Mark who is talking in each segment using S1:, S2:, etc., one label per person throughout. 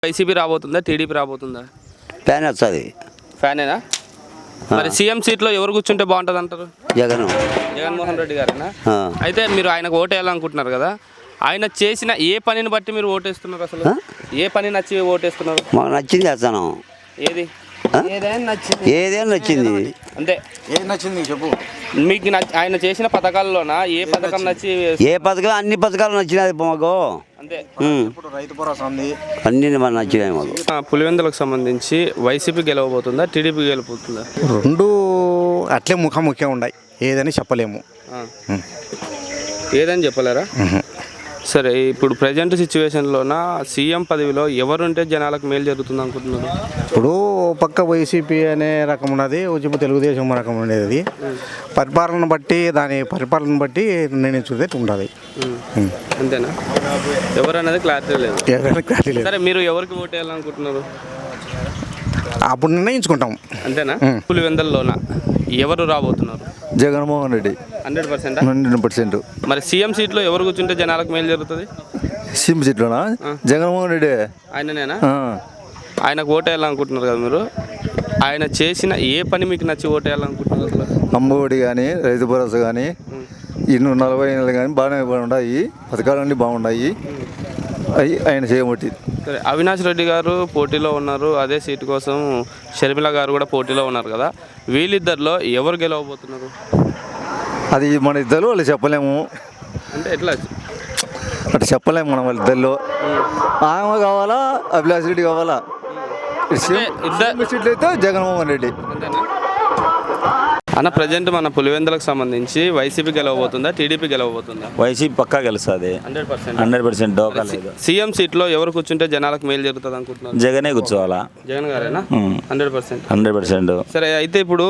S1: YCP రాబోతుందా, TDP రాబోతుందా?
S2: Fan వస్తుంది.
S1: ఫ్యానేనా? మరి సీఎం సీట్లో ఎవరు కూర్చుంటే బాగుంటుంది అంటారు? జగన్మోహన్ రెడ్డి గారేనా? అయితే మీరు ఆయనకు ఓటు వేయాలనుకుంటున్నారు కదా, ఆయన చేసిన ఏ పనిని బట్టి మీరు ఓటేస్తున్నారు? అసలు ఏ పని నచ్చి ఓటేస్తున్నారు?
S2: మాకు నచ్చింది చేస్తాను.
S1: ఏది?
S2: ఏదైనా నచ్చింది.
S1: అంటే
S3: ఏది నచ్చింది చెప్పు.
S1: మీకు ఆయన చేసిన పథకాల్లోనా ఏ పథకం నచ్చి?
S2: ఏ పథకం, అన్ని పథకాలు నచ్చినాయి మాకు.
S1: అంతే.
S3: ఇప్పుడు రైతు భరోసా ఉంది,
S2: అన్ని మనకు నచ్చినాయి మాకు.
S1: పులివెందులకు సంబంధించి వైసీపీ గెలవబోతుందా, టీడీపీ గెలవబోతుందా?
S3: రెండు అట్లే ముఖాముఖిగా ఉన్నాయి, ఏదని చెప్పలేము.
S1: ఏదని చెప్పలేరా? సరే, ఇప్పుడు ప్రజెంట్ సిచ్యువేషన్లోన సీఎం పదవిలో ఎవరుంటే జనాలకు మేలు జరుగుతుంది అనుకుంటున్నారు?
S3: ఇప్పుడు పక్క వైసీపీ అనే రకం ఉన్నది, ఉచిత తెలుగుదేశం రకం ఉండేది. పరిపాలన బట్టి దాని పరిపాలన బట్టి నిర్ణయించుకుంటే ఉంటుంది.
S1: అంతేనా? ఎవరన్నది క్లారిటీ లేదు.
S3: ఎవరైనా క్లారిటీ లేదు.
S1: సరే, మీరు ఎవరికి ఓటు వేయాలనుకుంటున్నారు?
S3: అప్పుడు నిర్ణయించుకుంటాం.
S1: అంతేనా? పులివెందుల్లోన ఎవరు రాబోతున్నారు?
S4: జగన్మోహన్ రెడ్డి
S1: 100%.
S4: 100%.
S1: మరి సీఎం సీట్లో ఎవరు కూర్చుంటే జనాలకు మేలు జరుగుతుంది?
S4: సీఎం సీట్లోనా? జగన్మోహన్ రెడ్డి.
S1: ఆయననేనా? ఆయనకు ఓటు వేయాలనుకుంటున్నారు కదా మీరు, ఆయన చేసిన ఏ పని మీకు నచ్చి ఓటు వేయాలనుకుంటున్నారు? అసలు
S4: అమ్మఒడి కానీ, రైతు భరోసా కానీ, 40 నెలలు కానీ బాగానే ఉన్నాయి. పథకాలన్నీ బాగున్నాయి. అవి ఆయన చేయబట్టి.
S1: సరే, అవినాష్ రెడ్డి గారు పోటీలో ఉన్నారు, అదే సీటు కోసం షర్మిల గారు కూడా పోటీలో ఉన్నారు కదా, వీళ్ళిద్దరిలో ఎవరు గెలవబోతున్నారు?
S4: అది మన ఇద్దరు వాళ్ళు చెప్పలేము.
S1: అంటే ఎట్లా?
S4: అటు చెప్పలేము మనం వాళ్ళిద్దరిలో. ఆమె కావాలా, అభిలాష్ రెడ్డి కావాలా? ఇద్దరు సీట్లు అయితే జగన్మోహన్ రెడ్డి.
S1: అన్న, ప్రజెంట్ మన పులివెందులకు సంబంధించి వైసీపీ గెలవబోతుందా, టీడీపీ గెలవబోతుందా?
S2: వైసీపీ పక్కా గెలుస్తుంది. 100% డోకా లేదు.
S1: సీఎం సీట్లో ఎవరు కూర్చుంటే జనాలకు మేలు జరుగుతుంది అనుకుంటున్నారు?
S2: జగనే కూర్చోవాలా.
S1: జగన్ గారేనా? 100%.
S2: 100%.
S1: సరే, అయితే ఇప్పుడు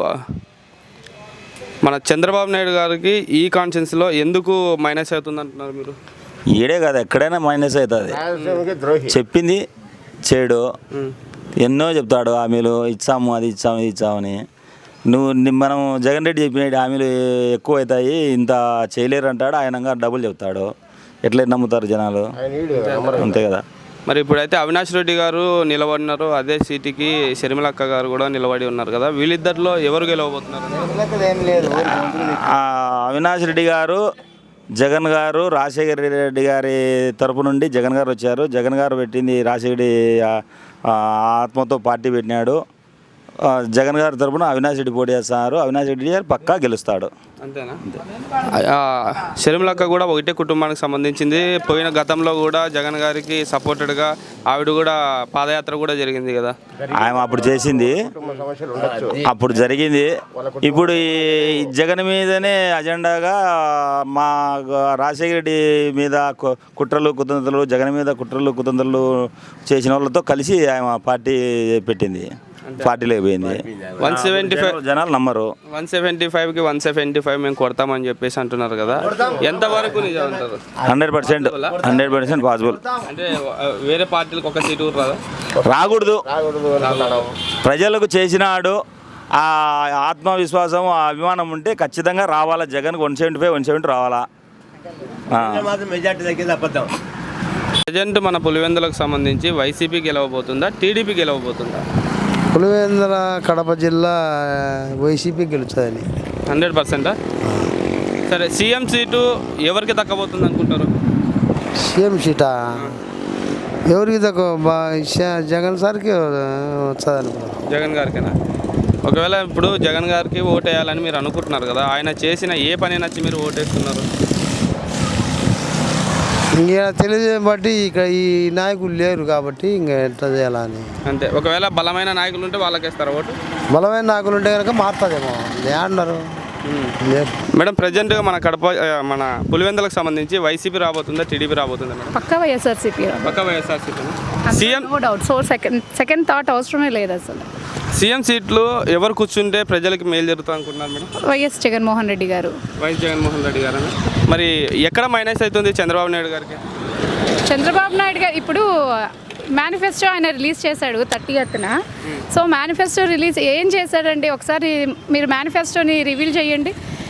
S1: మన చంద్రబాబు నాయుడు గారికి ఈ కాన్ఫరెన్స్లో ఎందుకు మైనస్ అవుతుంది అంటున్నారు మీరు?
S2: ఈడే కాదు, ఎక్కడైనా మైనస్ అవుతుంది. చెప్పింది చేయడు. ఎన్నో చెప్తాడు, హామీలు ఇచ్చాము, అది ఇచ్చాము, ఇది ఇచ్చామని. మనం జగన్ రెడ్డి చెప్పిన హామీలు ఎక్కువ అవుతాయి, ఇంత చేయలేరు అంటాడు. ఆయన డబ్బులు చెప్తాడు. ఎట్లా నమ్ముతారు జనాలు? అంతే కదా.
S1: మరి ఇప్పుడైతే అవినాష్ రెడ్డి గారు నిలబడినారు, అదే సీటుకి షర్మిలక్క గారు కూడా నిలబడి ఉన్నారు కదా, వీళ్ళిద్దరిలో ఎవరు గెలవబోతున్నారు?
S2: అవినాష్ రెడ్డి గారు, జగన్ గారు, రాజశేఖర రెడ్డి గారి తరపు నుండి జగన్ గారు వచ్చారు. జగన్ గారు పెట్టింది రాజశేఖర ఆత్మతో పార్టీ పెట్టినాడు. జగన్ గారి తరపున అవినాష్ రెడ్డి పోటీ చేస్తున్నారు. అవినాష్ రెడ్డి గారు పక్కా గెలుస్తాడు.
S1: అంతేనా? షర్మిలక్క కూడా ఒకటే కుటుంబానికి సంబంధించింది. పోయిన గతంలో కూడా జగన్ గారికి సపోర్టెడ్గా ఆవిడ కూడా పాదయాత్ర కూడా జరిగింది కదా.
S2: ఆయన అప్పుడు చేసింది, అప్పుడు జరిగింది. ఇప్పుడు ఈ జగన్ మీదనే అజెండాగా మా రాజశేఖర రెడ్డి మీద కుట్రలు కుతంత్రాలు, జగన్ మీద కుట్రలు కుతంత్రాలు చేసిన వాళ్ళతో కలిసి ఆయన పార్టీ పెట్టింది. పార్టీలో పోయింది.
S1: 175
S2: జనాలు నమ్మరు.
S1: 175కి 175 మేము కొడతామని చెప్పేసి అంటున్నారు కదా, ఎంతవరకు నిజం అంటారు?
S2: 100% పాసిబుల్.
S1: అంటే వేరే పార్టీలకు ఒక సీటు రాదా?
S2: రాకూడదు. ప్రజలకు చేసినాడు. ఆ ఆత్మవిశ్వాసం, ఆ అభిమానం ఉంటే ఖచ్చితంగా రావాలా. జగన్ 170 రావాలా.
S1: ప్రజెంట్ మన పులివెందులకు సంబంధించి వైసీపీ గెలవబోతుందా, టీడీపీ గెలవబోతుందా?
S5: పులివెందుల కడప జిల్లా వైసీపీ గెలుస్తుందని.
S1: 100%. సరే, సీఎం సీటు ఎవరికి దక్కబోతుంది అనుకుంటారు?
S5: సీఎం సీటా ఎవరికి తక్కువ? జగన్ సార్కి వస్తుంది.
S1: జగన్ గారికేనా? ఒకవేళ ఇప్పుడు జగన్ గారికి ఓటు వేయాలని మీరు అనుకుంటున్నారు కదా, ఆయన చేసిన ఏ పని నచ్చి మీరు ఓటేస్తున్నారు?
S5: ఇంకా తెలియజేయడం బట్టి ఇక్కడ ఈ నాయకులు లేరు కాబట్టి ఇంకా ఎట్లా చేయాలని.
S1: అంతే. ఒకవేళ బలమైన నాయకులు ఉంటే వాళ్ళకేస్తారా ఓటు?
S5: బలమైన నాయకులు ఉంటే కనుక మారుతుందేమో. ఏమన్నారు
S1: మేడం? ప్రజెంట్గా మన పులివెందులకు సంబంధించి వైసీపీ రాబోతుందా, టీడీపీ రాబోతుందా మేడం?
S6: పక్కా వైఎస్ఆర్సీపీ.
S1: పక్కా YSRCP. CM
S6: no doubt. So second thought అవసరమే లేదు అసలు.
S1: సీఎం సీట్లు ఎవరు కూర్చుంటే ప్రజలకు మేలు జరుగుతుంది అనుకుంటున్నారు మేడం?
S6: వైఎస్ జగన్మోహన్ రెడ్డి గారు.
S1: వైఎస్ జగన్మోహన్ రెడ్డి గారు. మరి ఎక్కడ మైనస్ అవుతుంది చంద్రబాబు నాయుడు గారికి?
S6: చంద్రబాబు నాయుడు గారు ఇప్పుడు మేనిఫెస్టో ఆయన రిలీజ్ చేశాడు 30th. సో మేనిఫెస్టో రిలీజ్ ఏం చేశాడండి? ఒకసారి మీరు మేనిఫెస్టోని రివీల్ చేయండి.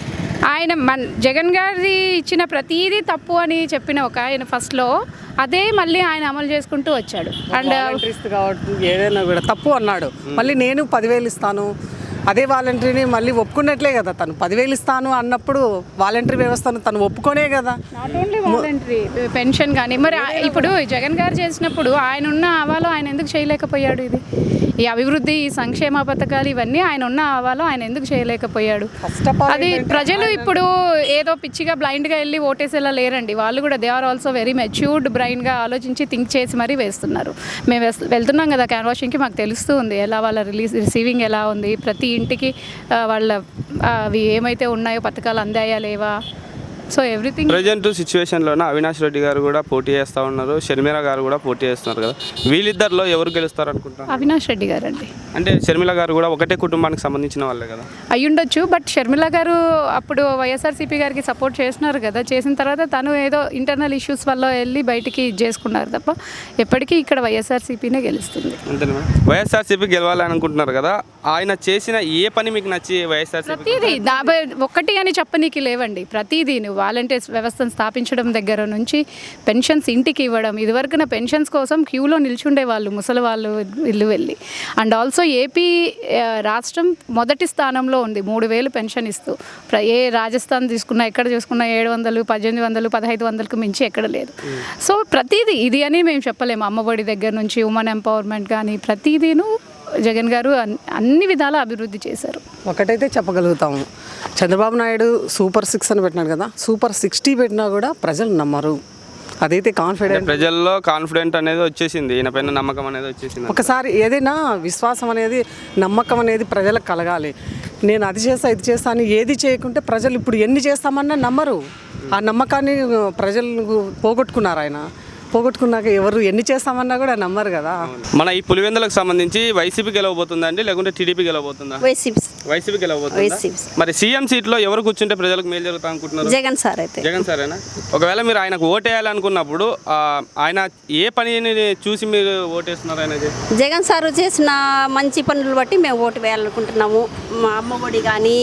S6: ఆయన జగన్ గారి ఇచ్చిన ప్రతిదీ తప్పు అని చెప్పిన ఒక ఆయన ఫస్ట్లో అదే మళ్ళీ ఆయన అమలు చేసుకుంటూ వచ్చాడు. అండ్
S7: కాబట్టి ఏదైనా కూడా తప్పు అన్నాడు. మళ్ళీ నేను 10,000 ఇస్తాను, అదే వాలంటరీని మళ్ళీ ఒప్పుకున్నట్లే కదా. తను 10,000 ఇస్తాను అన్నప్పుడు వాలంటరీ వ్యవస్థను తను ఒప్పుకోనే కదా.
S6: నాట్ ఓన్లీ వాలంటరీ పెన్షన్ కానీ మరి ఇప్పుడు జగన్ గారు చేసినప్పుడు ఆయన ఉన్న ఆవాలో ఆయన ఎందుకు చేయలేకపోయాడు? ఇది ఈ అభివృద్ధి, ఈ సంక్షేమ పథకాలు ఇవన్నీ ఆయన ఉన్న ఆవాలో ఆయన ఎందుకు చేయలేకపోయాడు? అది ప్రజలు ఇప్పుడు ఏదో పిచ్చిగా బ్లైండ్గా వెళ్ళి ఓటేసేలా లేరండి. వాళ్ళు కూడా they are also very matured బ్రెయిన్గా ఆలోచించి థింక్ చేసి మరీ వేస్తున్నారు. మేము వెళ్తున్నాం కదా క్యాన్వాషింగ్కి, మాకు తెలుస్తూ ఉంది ఎలా వాళ్ళ రిసీవింగ్ ఎలా ఉంది, ప్రతి ఇంటికి వాళ్ళ అవి ఏమైతే ఉన్నాయో పథకాలు అందాయా లేవా, సో ఎవ్రీథింగ్.
S1: ప్రజెంట్ సిచ్యువేషన్లోనే అవినాష్ రెడ్డి గారు కూడా పోటీ చేస్తూ ఉన్నారు, షర్మిల గారు కూడా పోటీ చేస్తున్నారు కదా. వీళ్ళిద్దరిలో ఎవరు గెలుస్తారు అనుకుంటారు?
S6: అవినాష్ రెడ్డి గారు అండి.
S1: అంటే షర్మిల గారు కూడా ఒకటే కుటుంబానికి సంబంధించిన వాళ్ళే కదా.
S6: అయ్యుండొచ్చు, బట్ షర్మిల గారు అప్పుడు వైఎస్ఆర్సీపీ గారికి సపోర్ట్ చేస్తున్నారు కదా. చేసిన తర్వాత తను ఏదో ఇంటర్నల్ ఇష్యూస్ వల్ల వెళ్ళి బయటికి చేసుకున్నారు తప్ప ఎప్పటికీ ఇక్కడ వైఎస్ఆర్సీపీనే గెలుస్తుంది.
S1: అంతేనా? వైఎస్ఆర్సీపీ గెలవాలని అనుకుంటున్నారు కదా. ఆయన చేసిన ఏ పని మీకు నచ్చి వైఎస్ఆర్సీపీ?
S6: ప్రతిదీ ఒక్కటి అని చెప్పనీకి లేవండి. ప్రతిదీ వాలంటీర్స్ వ్యవస్థను స్థాపించడం దగ్గర నుంచి పెన్షన్స్ ఇంటికి ఇవ్వడం, ఇదివరకున పెన్షన్స్ కోసం క్యూలో నిల్చుండే వాళ్ళు ముసలి వాళ్ళు ఇల్లు వెళ్ళి. అండ్ ఆల్సో ఏపీ రాష్ట్రం మొదటి స్థానంలో ఉంది 3,000 పెన్షన్ ఇస్తూ. ఏ రాజస్థాన్ తీసుకున్నా, ఎక్కడ చూసుకున్నా 700, 1,800, 1,500కు మించి ఎక్కడ లేదు. సో ప్రతిదీ ఇది అని మేము చెప్పలేము. అమ్మఒడి దగ్గర నుంచి ఉమెన్ ఎంపవర్మెంట్ కానీ ప్రతిదీను జగన్ గారు అన్ని విధాలా అభివృద్ధి చేశారు.
S7: ఒకటైతే చెప్పగలుగుతాము, చంద్రబాబు నాయుడు సూపర్ 6 అని పెట్టినాడు కదా, సూపర్ 60 పెట్టినా కూడా ప్రజలు నమ్మరు. అదైతే కాన్ఫిడెంట్,
S1: ప్రజల్లో కాన్ఫిడెంట్ అనేది వచ్చేసింది, ఈయన పైన నమ్మకం అనేది వచ్చేసింది.
S7: ఒకసారి ఏదైనా విశ్వాసం అనేది, నమ్మకం అనేది ప్రజలకు కలగాలి. నేను అది చేస్తా ఇది చేస్తా అని ఏది చేయకుంటే ప్రజలు ఇప్పుడు ఎన్ని చేస్తామన్నా నమ్మరు. ఆ నమ్మకాన్ని ప్రజలు పోగొట్టుకున్నారు. ఆయన పోగొట్టుకున్నాక ఎవరు ఎన్ని చేస్తామన్నా కూడా నమ్మరు కదా.
S1: మన ఈ పులివెందులకు సంబంధించి వైసీపీ గెలవబోతుందా అండి, లేకుంటే టీడీపీ గెలవబోతుందా? వైసీపీ గెలవబోతుందా? మరి సీఎం సీట్లో ఎవరు కూర్చుంటే ప్రజలకు మేలు జరుగుతా అనుకుంటున్నారు?
S8: జగన్ సార్. అయితే
S1: జగన్ సారేనా? ఒకవేళ మీరు ఆయనకు ఓటేయాలనుకున్నప్పుడు ఆయన ఏ పనిని చూసి మీరు ఓటేస్తున్నారు? ఆయనకి
S8: జగన్ సార్ చేసిన మంచి పనులు బట్టి మేము ఓటు వేయాలనుకుంటున్నాము. మా అమ్మఒడి కానీ,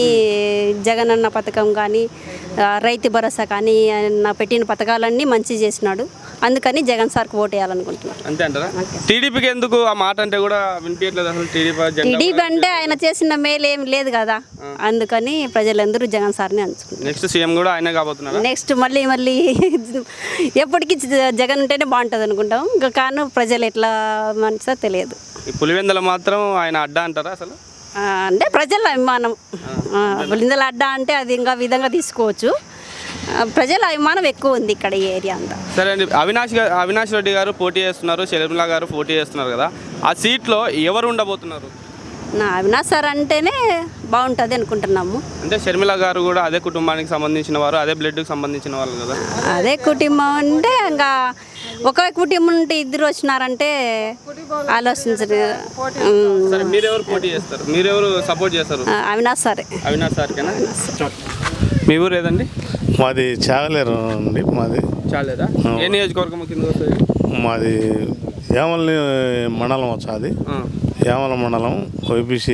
S8: జగన్ అన్న పథకం కానీ, రైతు భరోసా కానీ, పెట్టిన పథకాలన్నీ మంచి చేసినాడు. అందుకని జగన్ సార్కి ఓటు వేయాలనుకుంటున్నాను.
S1: అంతే అంటారా? టీడీపీకి ఎందుకు ఆ మాట అంటే కూడా వినిపించట్లేదు అసలు?
S8: టీడీపీ అంటే ఆయన చేసిన మేలు ఏం లేదు కదా, అందుకని ప్రజలందరూ జగన్ సార్ని అంచుకుంటారు.
S1: నెక్స్ట్ సీఎం కూడా ఆయన కాబోతున్నారు.
S8: నెక్స్ట్ మళ్ళీ ఎప్పటికీ జగన్ ఉంటేనే బాగుంటుంది అనుకుంటాం. ఇంకా కాను ప్రజలు ఎట్లా మనసో తెలియదు.
S1: ఈ పులివెందుల మాత్రం ఆయన అడ్డా అంటారా అసలు?
S8: అంటే ప్రజల అభిమానం. పులివెందుల అడ్డా అంటే అది ఇంకా విధంగా తీసుకోవచ్చు. ప్రజల అభిమానం ఎక్కువ ఉంది ఇక్కడ ఈ ఏరియా అంతా.
S1: సరే అండి, అవినాష్ రెడ్డి గారు పోటీ చేస్తున్నారు, షర్మిల గారు పోటీ చేస్తున్నారు కదా. ఆ సీట్లో ఎవరు ఉండబోతున్నారు?
S8: నా అవినాష్ సార్ అంటేనే బాగుంటుంది అనుకుంటున్నాము.
S1: అంటే షర్మిల గారు కూడా అదే కుటుంబానికి సంబంధించిన వారు, అదే బ్లడ్కి సంబంధించిన వాళ్ళు కదా.
S8: అదే కుటుంబం అంటే ఇంకా ఒక కుటుంబం నుండి ఇద్దరు వచ్చినారంటే ఆలోచించరు.
S1: సరే, మీరెవరు పోటీ చేస్తారు? మీరెవరు సపోర్ట్ చేస్తారు?
S8: అవినాష్ సారే.
S1: అవినాష్ సార్కేనా? మీ ఊరు ఏదండి?
S9: మాది చాగలేరు అండి. మాది
S1: చాలేదా? ఏ నియోజకవర్గం కింద వస్తుంది?
S9: మాది యామల్ని మండలం వచ్చాది. యామల మండలం ఓపీసీ,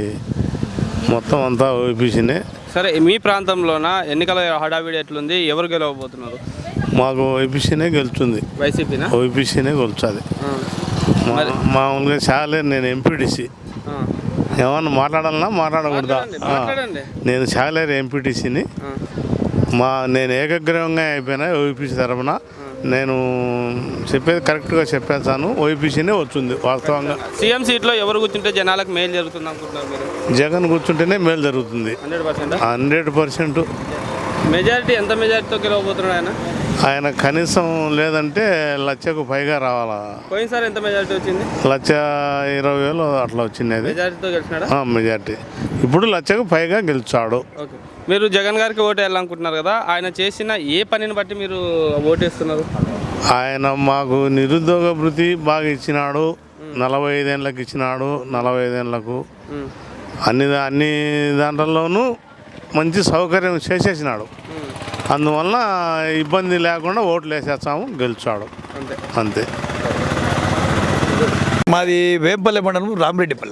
S9: మొత్తం అంతా ఓపీసీనే.
S1: సరే, మీ ప్రాంతంలోన ఎన్నికల హడావిడి ఎట్లుంది? ఎవరు గెలవబోతున్నారు?
S9: మాకు ఓపీసీనే గెలుస్తుంది.
S1: వైసీపీనా?
S9: ఓపీసీనే గెలుస్తుంది. మామూలుగా చాగలేరు, నేను ఎంపీటీసీ. ఏమన్నా మాట్లాడాలన్నా మాట్లాడకూడదా? నేను చాగలేరు ఎంపీటీసీని. నేను ఏకగ్రీవంగా అయిపోయినా ఓపీసీ తరఫున. నేను చెప్పేది కరెక్ట్గా చెప్పేస్తాను. ఓపీసీనే వచ్చింది వాస్తవంగా.
S1: సీఎం సీట్లో ఎవరు కూర్చుంటే జనాలకు మేలు జరుగుతుంది అనుకుంటున్నారు మీరు?
S9: జగన్ కూర్చుంటేనే మేలు జరుగుతుంది. 100%.
S1: మెజారిటీ ఎంత మెజారిటీతో గెలవబోతున్నాడు ఆయన?
S9: ఆయన కనీసం లేదంటే 1,00,000కు పైగా రావాలా.
S1: పోయినసారి ఎంత మెజారిటీ వచ్చింది?
S9: 1,20,000 అట్లా వచ్చింది. అది
S1: మెజారిటీతో గెలిచినాడా?
S9: మెజారిటీ. ఇప్పుడు 1,00,000కు పైగా గెలిచాడు.
S1: ఓకే, మీరు జగన్ గారికి ఓటు వేయాలనుకుంటున్నారు కదా. ఆయన చేసిన ఏ పనిని బట్టి మీరు ఓటేస్తున్నారు?
S9: ఆయన మాకు నిరుద్యోగ భృతి బాగా ఇచ్చినాడు. 45 ఏళ్ళకి ఇచ్చినాడు. 45 ఏళ్ళకు అన్ని దాంట్లోనూ మంచి సౌకర్యం చేసేసినాడు. అందువల్ల ఇబ్బంది లేకుండా ఓట్లు వేసేస్తాము, గెలిచాడు. అంతే.
S10: మాది వేంపల్లె మండలం, రామిరెడ్డిపల్లె.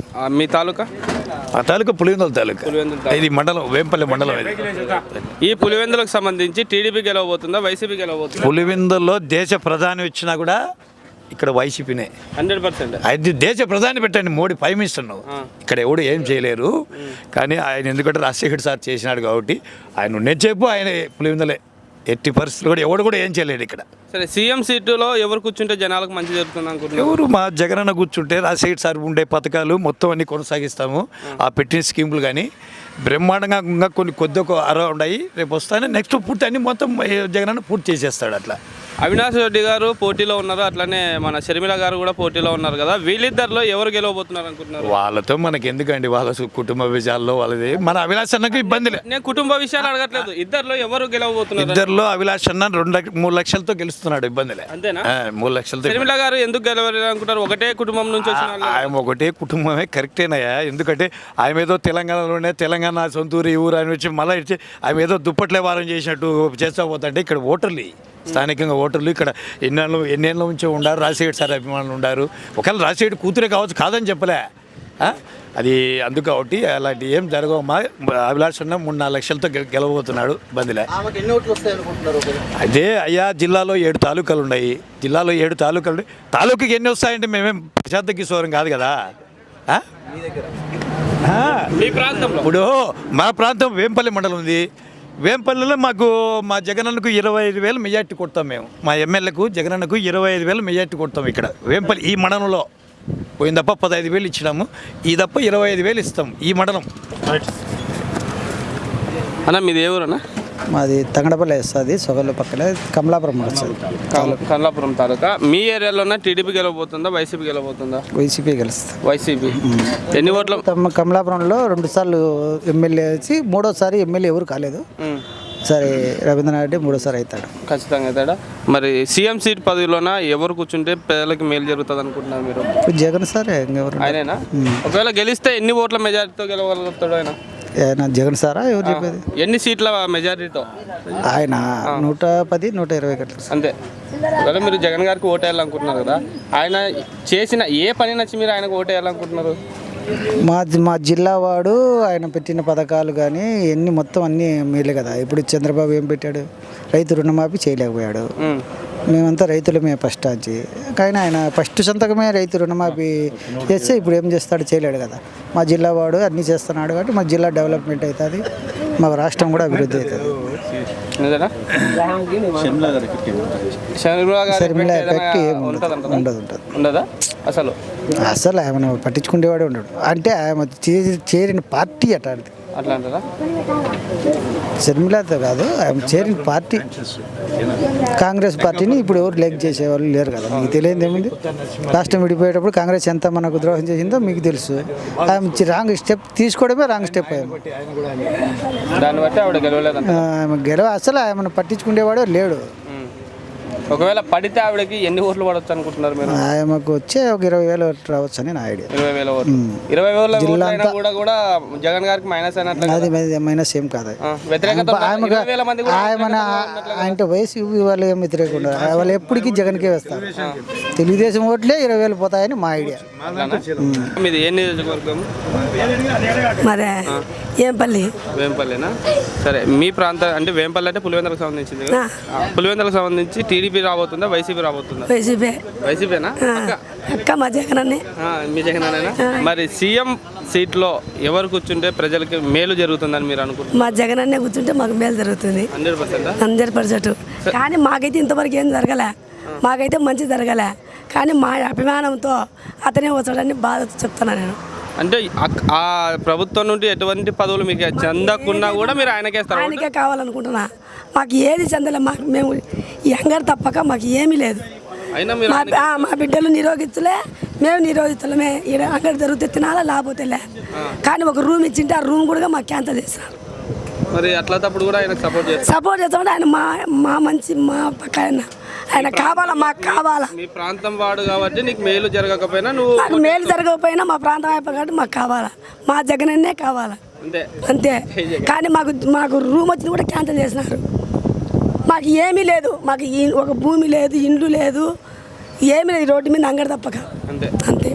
S1: మీ తాలూకా?
S10: ఆ తాలూకా పులివెందుల తాలూకా.
S1: పులివెందుల
S10: ఇది మండలం, వేంపల్లి మండలం. ఇది
S1: ఈ పులివెందులకు సంబంధించి టీడీపీ గెలవబోతుందా, వైసీపీ గెలవబోతుందా?
S10: పులివెందుల్లో దేశ ప్రధాని వచ్చినా కూడా ఇక్కడ వైసీపీనే
S1: 100%.
S10: అది దేశ ప్రధాని పెట్టండి, మోడీ ప్రైమ్ మినిస్టర్ నువ్వు, ఇక్కడ ఎవడు ఏం చేయలేరు. కానీ ఆయన ఎందుకంటే రాజశేఖర్ సార్ చేసినాడు కాబట్టి ఆయన ఉన్నది చెప్పు, ఆయన పులివెందులే. ఎట్టి పరిస్థితులు కూడా ఎవడు కూడా ఏం చేయలేడు ఇక్కడ.
S1: సరే, సీఎం సీటులో ఎవరు కూర్చుంటే జనాలకు మంచి జరుగుతుంది అనుకుంటున్నారు?
S10: ఎవరు మా జగనన్న కూర్చుంటే రాజశేఖర్ సార్ ఉండే పథకాలు మొత్తం అన్ని కొనసాగిస్తాము. ఆ పెట్టిన స్కీములు కానీ బ్రహ్మాండంగా ఇంకా కొన్ని కొద్ది ఉన్నాయి. రేపు వస్తానే నెక్స్ట్ పూర్తి అన్ని మొత్తం జగనన్న పూర్తి చేసేస్తాడు. అట్లా
S1: అవినాష్ రెడ్డి గారు పోటీలో ఉన్నారు, అట్లనే మన షర్మిల గారు కూడా పోటీలో ఉన్నారు కదా. వీళ్ళిద్దరిలో ఎవరు గెలవబోతున్నారు అనుకుంటున్నారు?
S10: వాళ్ళతో మనకి ఎందుకండి, వాళ్ళ కుటుంబ విషయాల్లో వాళ్ళది. మన అవినాష్ అన్నకు ఇబ్బంది లేదు.
S1: నేను కుటుంబ విషయాలు అడగట్లేదు. ఇద్దరిలో ఎవరు గెలవబోతున్నారు?
S10: ఇద్దరిలో అవినాష్ అన్న 3 లక్షలతో గెలుస్తున్నాడు, ఇబ్బందిలే.
S1: అంతేనా?
S10: 3 లక్షలతో.
S1: షర్మిల గారు ఎందుకు గెలవలేదు అనుకుంటారు? ఒకటే కుటుంబం నుంచి వచ్చిన వాళ్ళు.
S10: ఆయన ఒకటే కుటుంబమే కరెక్టేనయ్యా. ఎందుకంటే ఆయన ఏదో తెలంగాణలోనే తెలంగాణ సొంతూరు ఈ ఊరు అని వచ్చి మళ్ళీ ఇచ్చి ఆయన ఏదో దుప్పట్లే వారం చేసినట్టు చేస్తా పోతుంటే ఇక్కడ ఓటర్లు, స్థానికంగా ఓటర్లు ఇక్కడ ఎన్నేళ్ళ నుంచో ఉండారు. రాజశేఖర్ సార్ అభిమానులు ఉండారు. ఒకవేళ రాజశేఖర్ కూతురే కావచ్చు, కాదని చెప్పలే. అది అందుకు కాబట్టి అలాంటి ఏం జరగవు. మా అభిలాష్ అన్న 3-4 లక్షలతో గెలవబోతున్నాడు, బందిలే. అదే అయ్యా, జిల్లాలో 7 తాలూకాలు ఉన్నాయి. జిల్లాలో 7 తాలూకాలు ఉన్నాయి. తాలూకాకి ఎన్ని వస్తాయంటే మేమేం ప్రశాంత కిశోరం కాదు కదా. ఇప్పుడు మా ప్రాంతం వేంపల్లి మండలం ఉంది. వేంపల్లిలో మాకు మా జగనన్నకు 25,000 మెజార్టీ కొడతాం మేము. మా ఎమ్మెల్యేకు జగనన్నకు 25,000 మెజార్టీ కొడతాం ఇక్కడ వేంపల్లి ఈ మండలంలో. పోయిన తప్ప 15,000 ఇచ్చినాము, ఈ తప్ప 25,000 ఇస్తాం ఈ మండలం.
S1: అన్న మీది ఏ ఊరన్నా?
S11: మాది తంగడపల్లి వస్తుంది, సొగలు పక్కన కమలాపురం వస్తుంది.
S1: కమలాపురం తాలూకా. మీ ఏరియాలోనే టీడీపీ గెలవబోతుందా, వైసీపీ గెలవబోతుందా?
S11: వైసీపీ గెలుస్తుంది.
S1: వైసీపీ. ఎన్ని ఓట్లు?
S11: కమలాపురంలో 2 సార్లు ఎమ్మెల్యే వచ్చి 3వసారి ఎమ్మెల్యే ఎవరు కాలేదు. సరే, రవీంద్రనాథ్ రెడ్డి 3వసారి అవుతాడు,
S1: ఖచ్చితంగా అవుతాడా. మరి సీఎం సీట్ పదవిలోన ఎవరు కూర్చుంటే పేదలకు మేలు జరుగుతుంది అనుకుంటున్నారు మీరు?
S11: జగన్ సార్
S1: ఆయనేనా? ఒకవేళ గెలిస్తే ఎన్ని ఓట్ల మెజారిటీతో గెలవగలుగుతాడు ఆయన?
S11: జగన్ సారా ఎవరు చెప్పేది?
S1: ఎన్ని సీట్ల మెజారిటీతో?
S11: ఆయన 110, 120 గంటలు
S1: అంతే. ఒకవేళ మీరు జగన్ గారికి ఓటేయాలనుకుంటున్నారు కదా, ఆయన చేసిన ఏ పని నచ్చి మీరు ఆయనకు ఓటేయాలనుకుంటున్నారు?
S11: మా జిల్లా వాడు ఆయన పెట్టిన పథకాలు కానీ ఎన్ని మొత్తం అన్నీ మేలే కదా. ఇప్పుడు చంద్రబాబు ఏం పెట్టాడు? రైతు రుణమాఫీ చేయలేకపోయాడు. మేమంతా రైతులమే ఫస్ట్ వచ్చి, కానీ ఆయన ఫస్ట్ సంతకమే రైతు రుణమాఫీ చేస్తే ఇప్పుడు ఏం చేస్తాడు? చేయలేడు కదా. మా జిల్లా వాడు అన్నీ చేస్తున్నాడు కాబట్టి మా జిల్లా డెవలప్మెంట్ అవుతుంది, మా రాష్ట్రం కూడా అభివృద్ధి అవుతుంది.
S1: ఉండదా అసలు?
S11: అసలు ఆయన పట్టించుకునేవాడే ఉండడు. అంటే ఆయన చేరిన పార్టీ అట్లాంటిది.
S1: అట్లా అంటారా?
S11: షర్మిలతో కాదు, ఆయన చేరిన పార్టీ కాంగ్రెస్ పార్టీని ఇప్పుడు ఎవరు లెగ్ చేసేవాళ్ళు లేరు కదా. మీకు తెలియదు ఏముంది? రాష్ట్రం విడిపోయేటప్పుడు కాంగ్రెస్ ఎంత మనకు ద్రోహం చేసిందో మీకు తెలుసు. ఆయన రాంగ్ స్టెప్ తీసుకోవడమే రాంగ్ స్టెప్.
S1: దాన్ని బట్టి ఆవిడ గెలవలేదు.
S11: ఆమె అసలు ఆమెను పట్టించుకునేవాడు లేడు.
S1: ఒకవేళ పడితే ఆవిడకి ఎన్ని ఓట్లు పడవచ్చు అనుకుంటున్నారు మీరు?
S11: ఆమెకు వచ్చే ఒక 20,000 ఓట్లు రావచ్చు అని నా ఐడియా.
S1: 20,000 ఓట్లు. 20,000 కూడా జగన్ గారికి మైనస్ అయినట్లు.
S11: అది మైనస్ ఏం కాదు. అంటే వయసు వాళ్ళు ఏం వ్యతిరేక ఉండదు. వాళ్ళు ఎప్పటికీ జగన్కే వేస్తారు. తెలుగుదేశం ఓట్లే 20,000 పోతాయని మా ఐడియా.
S1: మీది ఏ నియోజకవర్గం?
S12: మరే వేంపల్లి.
S1: వేంపల్లినా? సరే, మీ ప్రాంతం అంటే వేంపల్లి అంటే పులివెందులకు సంబంధించింది కదా. పులివెందులకు సంబంధించి టీడీపీ రాబోతుందా, వైసీపీ రాబోతుందా? వైసీపీనా?
S12: అక్క మా జగనన్నే.
S1: మీ జగనన్నేనా? మరి సీఎం సీట్లో ఎవరు కూర్చుంటే ప్రజలకి మేలు జరుగుతుందని మీరు అనుకుంటున్నారు?
S12: మా జగనన్నే కూర్చుంటే మాకు మేలు జరుగుతుంది 100%. కానీ మాకైతే ఇంతవరకు ఏం జరగలే, మాకైతే మంచి జరగలే. కానీ మా అభిమానంతో అతనే వచ్చాడని బాధ చెప్తున్నా నేను.
S1: అంటే ఆ ప్రభుత్వం నుండి ఎటువంటి పదవులు మీకు చెందకున్నా కూడా మీరు ఆయనకేస్తారు?
S12: ఆయనకే కావాలనుకుంటున్నా. మాకు ఏది చెందలే. మాకు మేము యంగర్ తప్పక మాకు ఏమీ లేదు. మా బిడ్డలు నిరోగితులే, మేము నిరోగితులమే. ఇక్కడ అంగడి జరిగితే తినాలా లేకపోతే లే. కానీ ఒక రూమ్ ఇచ్చింటే ఆ రూమ్ కూడా మాకు క్యాన్సల్ చేస్తారు.
S1: మరి అట్లా తప్పుడు కూడా ఆయన
S12: సపోర్ట్ చేస్తామంటే ఆయన మా మంచి మా పక్క ఆయన కావాలా, మాకు కావాలా.
S1: మీ ప్రాంతం వాడు కాబట్టి నీకు మేలు జరగకపోయినా
S12: నాకు మేలు జరగకపోయినా మా ప్రాంతం అయిపోయి కాబట్టి మాకు కావాలా, మా జగనన్నే కావాలా అంతే. కానీ మాకు రూమ్ వచ్చింది కూడా క్యాన్సిల్ చేసినారు. మాకు ఏమీ లేదు, మాకు ఒక భూమి లేదు, ఇండ్లు లేదు, ఏమీ లేదు. రోడ్డు మీద అంగడి తప్పక అంతే.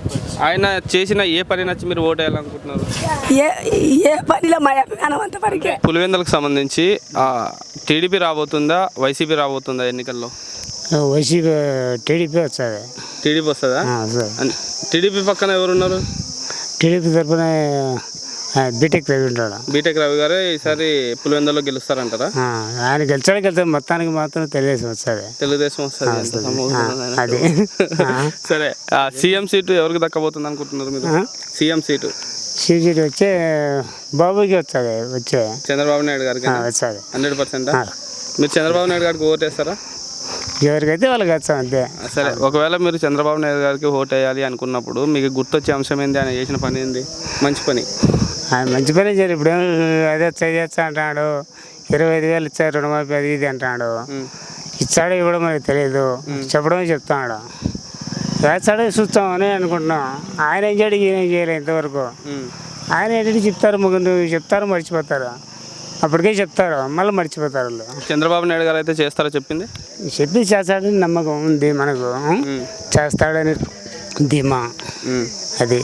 S1: ఆయన చేసిన ఏ పని నచ్చి మీరు ఓటు వేయాలనుకుంటున్నారు?
S12: ఏ పనిలో మా అభిమానం అంత పడికే.
S1: పులివెందులకు సంబంధించి టీడీపీ రాబోతుందా వైసీపీ రాబోతుందా ఎన్నికల్లో?
S13: వైసీపీ టీడీపీ వస్తుంది.
S1: టీడీపీ వస్తుందా? టీడీపీ పక్కన ఎవరున్నారు?
S13: టీడీపీ తరఫున బీటెక్ రవి ఉంటాడు.
S1: బీటెక్ రవి గారు ఈసారి పులివెందులో గెలుస్తారంటారా?
S13: ఆయన గెలిచాడు మొత్తానికి మాత్రం తెలుగుదేశం వస్తుంది.
S1: తెలుగుదేశం వస్తుంది.
S13: అది
S1: సరే, సీఎం సీటు ఎవరికి దక్కబోతుంది అనుకుంటున్నారు మీరు? సీఎం సీటు
S13: వచ్చే బాబుకి వస్తుంది. వచ్చే
S1: చంద్రబాబు నాయుడు గారికి
S13: వస్తుంది
S1: 100%. మీరు చంద్రబాబు నాయుడు గారికి ఓటు వేస్తారా?
S13: ఎవరికైతే వాళ్ళకి వచ్చాం అంతే.
S1: సరే, ఒకవేళ మీరు చంద్రబాబు నాయుడు గారికి ఓటు వేయాలి అనుకున్నప్పుడు మీకు గుర్తొచ్చే అంశం ఏంది? ఆయన చేసిన పని ఏంది? మంచి పని.
S13: ఆయన మంచి పని చేయాలి. ఇప్పుడు అదే చేస్తా అంటాడు, 25,000 ఇచ్చారు రుణమాఫీ అది ఇది అంటాడు. ఇచ్చాడో ఇవ్వడం మనకి తెలియదు, చెప్పడమే చెప్తాడు. వేస్తాడో చూస్తామని అనుకుంటున్నాం. ఆయన ఏం చేయడు, ఈయన ఏం చేయలేదు ఇంతవరకు. ఆయన ఏంటంటే చెప్తారు, ముగ్గురు చెప్తారు, మర్చిపోతారు. అప్పటికే చెప్తారు, మళ్ళీ మర్చిపోతారు వాళ్ళు.
S1: చంద్రబాబు నాయుడు గారు అయితే చేస్తారో చెప్పింది
S13: చేస్తాడని నమ్మకం ఉంది మనకు. చేస్తాడని ధీమా అది.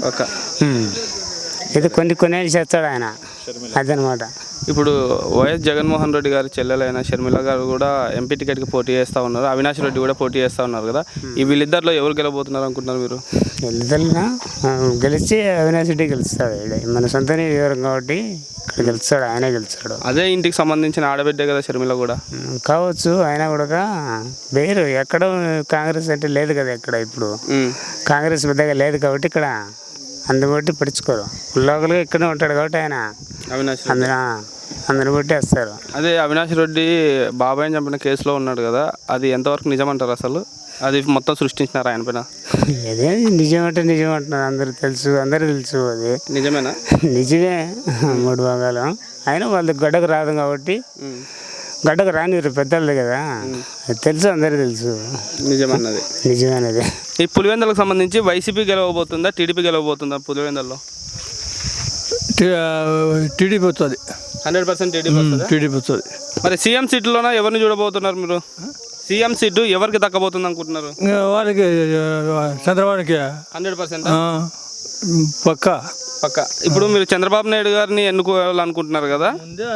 S13: ఇది కొన్ని చేస్తాడు ఆయన, అదనమాట.
S1: ఇప్పుడు వైఎస్ జగన్మోహన్ రెడ్డి గారి చెల్లెలైన షర్మిల గారు కూడా ఎంపీ టికెట్కి పోటీ చేస్తూ ఉన్నారు. అవినాష్ రెడ్డి కూడా పోటీ చేస్తూ ఉన్నారు కదా. ఈ వీళ్ళిద్దరిలో ఎవరు గెలబోతున్నారు అనుకుంటున్నారు మీరు?
S13: వీళ్ళిద్దరిన గెలిచి అవినాష్ రెడ్డి గెలుస్తాడు. మన సొంత వివరం కాబట్టి ఇక్కడ గెలుస్తాడు, ఆయనే గెలుస్తాడు.
S1: అదే ఇంటికి సంబంధించిన ఆడబిడ్డే కదా షర్మిల కూడా.
S13: కావచ్చు, ఆయన కూడా వేరు. ఎక్కడ కాంగ్రెస్ అంటే లేదు కదా ఇక్కడ. ఇప్పుడు కాంగ్రెస్ పెద్దగా లేదు కాబట్టి ఇక్కడ అందుబట్టి పడుచుకోరు. లోకల్గా ఇక్కడే ఉంటాడు కాబట్టి ఆయన
S1: అవినాష్
S13: అందరిని బట్టి వేస్తారు.
S1: అదే అవినాష్ రెడ్డి బాబాయ్ని చంపిన కేసులో ఉన్నాడు కదా, అది ఎంతవరకు నిజమంటారు అసలు? అది మొత్తం సృష్టించినారు ఆయన పైన.
S13: అదే నిజం అంటున్నారు, అందరు తెలుసు. అది
S1: నిజమేనా?
S13: నిజమే. 3 భాగాలు. అయినా వాళ్ళకి గడ్డకు రాదు కాబట్టి గడ్డకు రానిరు పెద్దలది కదా, అది తెలుసు, అందరికీ తెలుసు. నిజమేనది.
S1: ఈ పులివెందులకు సంబంధించి వైసీపీ గెలవబోతుందా టీడీపీ గెలవబోతుందా? పులివెందుల్లో
S10: టీడీపీ వస్తుంది.
S1: 100%
S10: టీడీపీ వస్తుంది.
S1: మరి సీఎం సీట్లోనా ఎవరిని చూడబోతున్నారు మీరు? సీఎం సీటు ఎవరికి దక్కబోతుంది అనుకుంటున్నారు?
S10: వాళ్ళకి చంద్రబాబుకి
S1: 100%
S10: పక్కా.
S1: ఇప్పుడు మీరు చంద్రబాబు నాయుడు గారిని ఎన్నుకోవాలనుకుంటున్నారు కదా,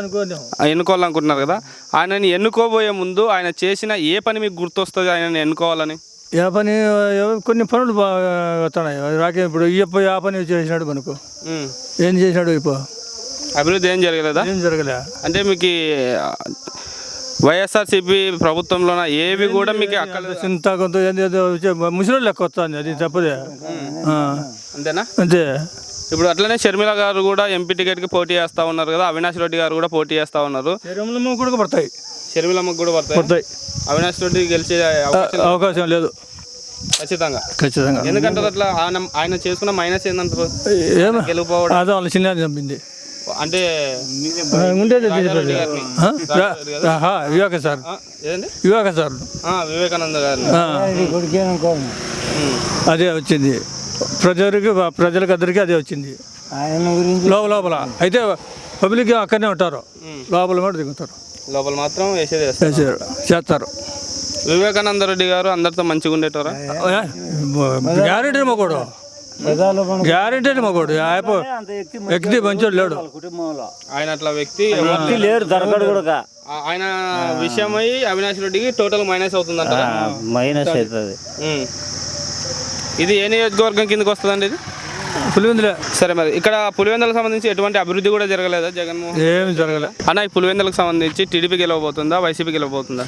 S1: ఆయనని ఎన్నుకోబోయే ముందు ఆయన చేసిన ఏ పని మీకు గుర్తొస్తుంది ఆయనని ఎన్నుకోవాలని?
S10: ఏ పని? కొన్ని పనులు వస్తున్నాయి రాకే. ఇప్పుడు ఆ పని చేసినాడు మనకు. ఏం చేసినాడు? ఇప్పుడు
S1: అభివృద్ధి ఏం జరగలేదా?
S10: ఏం జరగలే. అంటే
S1: మీకు వైఎస్ఆర్సీపీ ప్రభుత్వంలోన ఏవి కూడా మీకు
S10: చింత కొంత ముసలి లెక్క వస్తుంది, అది తప్పదే.
S1: అంతేనా?
S10: అంతే.
S1: ఇప్పుడు అట్లనే షర్మిల గారు కూడా ఎంపీ టికెట్కి పోటీ చేస్తూ ఉన్నారు కదా, అవినాష్ రెడ్డి గారు కూడా పోటీ చేస్తూ ఉన్నారు.
S10: షర్మిలమ్మకు కూడా పడతాయి.
S1: అవినాష్ రెడ్డి గెలిచే
S10: అవకాశం లేదు
S1: ఖచ్చితంగా. ఎందుకంటారు అట్లా? ఆయన చేసుకున్న మైనస్ ఏంటంటారు? గెలుపోవడం
S10: అదే వాళ్ళ చిన్న చంపింది
S1: అంటే
S10: ఉండేది.
S1: వివేకానంద గారు
S10: అదే వచ్చింది ప్రజలకు అందరికీ అదే వచ్చింది. లోపల అయితే పబ్లిక్ అక్కడనే ఉంటారు, లోపల కూడా దిగుతారు,
S1: లోపల మాత్రం
S10: చేస్తారు.
S1: వివేకానంద రెడ్డి గారు అందరితో మంచిగా ఉండేటోరా?
S10: గ్యారెంటీ మొగోడు, గ్యారెంటీ మొగోడు. వ్యక్తి మంచోడు లేడు
S1: ఆయన. అట్లా వ్యక్తి
S2: లేరు, దొరకడు కూడా.
S1: ఆయన విషయమై అవినాష్ రెడ్డికి టోటల్ మైనస్ అవుతుందంట.
S2: మైనస్ అవుతుంది.
S1: ఇది ఏ నియోజకవర్గం కిందకి వస్తుందండి? ఇది
S10: పులివెందులే.
S1: సరే, మరి ఇక్కడ పులివెందులకు సంబంధించి ఎటువంటి అభివృద్ధి కూడా జరగలేదా జగన్మోహన్?
S10: ఏమి జరగలే
S1: అన్న. ఈ పులివెందులకు సంబంధించి టీడీపీ గెలవబోతుందా వైసీపీ గెలవబోతుందా?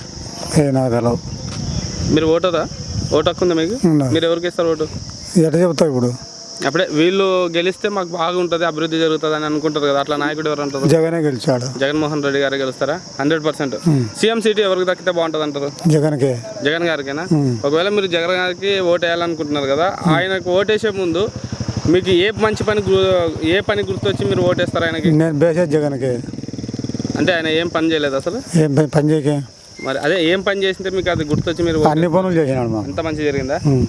S1: మీరు ఓటరా? ఓటు హక్కు ఉందా మీకు? మీరు ఎవరికి ఇస్తారు ఓటు?
S3: ఎట్లా చెప్తావు ఇప్పుడు?
S1: అప్పుడే వీళ్ళు గెలిస్తే మాకు బాగుంటుంది, అభివృద్ధి జరుగుతుంది అని అనుకుంటారు కదా, అట్లా నాయకుడు ఎవరు అంటారు?
S3: జగనే గెలిచాడు.
S1: జగన్మోహన్ రెడ్డి గారు గెలుస్తారా? 100%. సీఎం సీటు ఎవరికి దక్కితే బాగుంటుంది అంటారు? జగన్ గారికేనా? ఒకవేళ మీరు జగన్ గారికి ఓటు వేయాలనుకుంటున్నారు కదా, ఆయనకు ఓటేసే ముందు మీకు ఏ పని గుర్తొచ్చి మీరు ఓటేస్తారు ఆయనకి?
S3: నేను బేసే జగన్కే.
S1: అంటే ఆయన ఏం పని చేయలేదు అసలు?
S3: ఏం పని చేయకే.
S1: మరి అదే ఏం పని చేసింటే మీకు అది గుర్తొచ్చి మీరు?
S3: అన్ని పనులు చేసినాడు.
S1: అంత మంచి జరిగిందా?